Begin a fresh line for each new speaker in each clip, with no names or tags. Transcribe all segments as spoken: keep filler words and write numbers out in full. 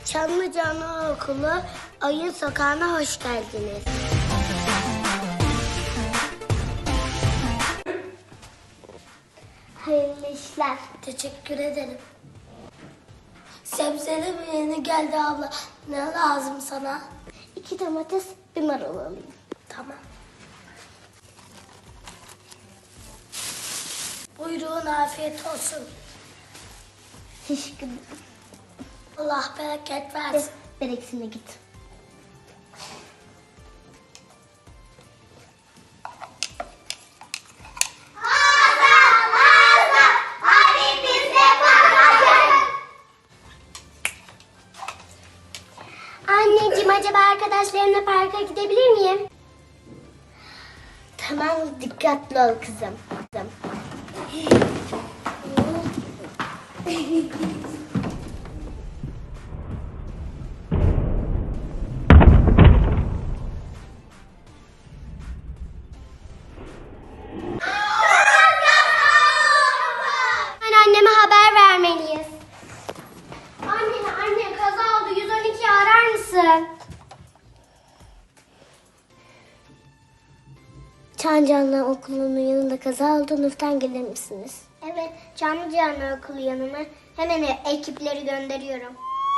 Çamlıca Anaokulu Oyun Sokağı'na hoş geldiniz. Hayırlı işler. Teşekkür ederim. Sebzeli mi yeni geldi abla? Ne lazım sana? İki domates, bir marul alayım. Tamam. Buyurun, afiyet olsun. Teşekkür ederim. Allah bereket versin. Bereksine git. Anneciğim, acaba arkadaşlarımla parka gidebilir miyim? Tamam, dikkatli ol kızım. Kızım. Anneme haber vermeliyiz. Anne, anne kaza oldu. yüz on ikiyi arar mısın? Çamlıca Okulu'nun yanında kaza oldu. Lütfen gelir misiniz? Evet, Çamlıca Okulu yanına hemen ekipleri gönderiyorum.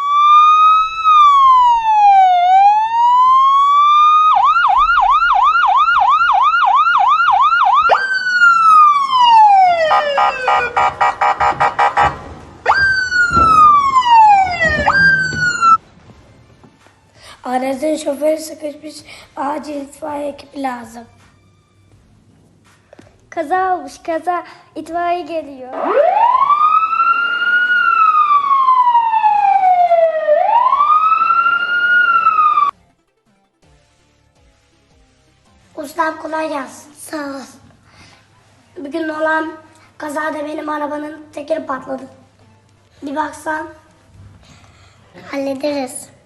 Aracın şoförü sıkışmış. Acil itfaiye ekibi lazım. Kaza olmuş, kaza. İtfaiye geliyor. Ustam kolay gelsin. Sağ ol. Bugün olan kazada benim arabanın tekeri patladı. Bir baksan. Hallederiz.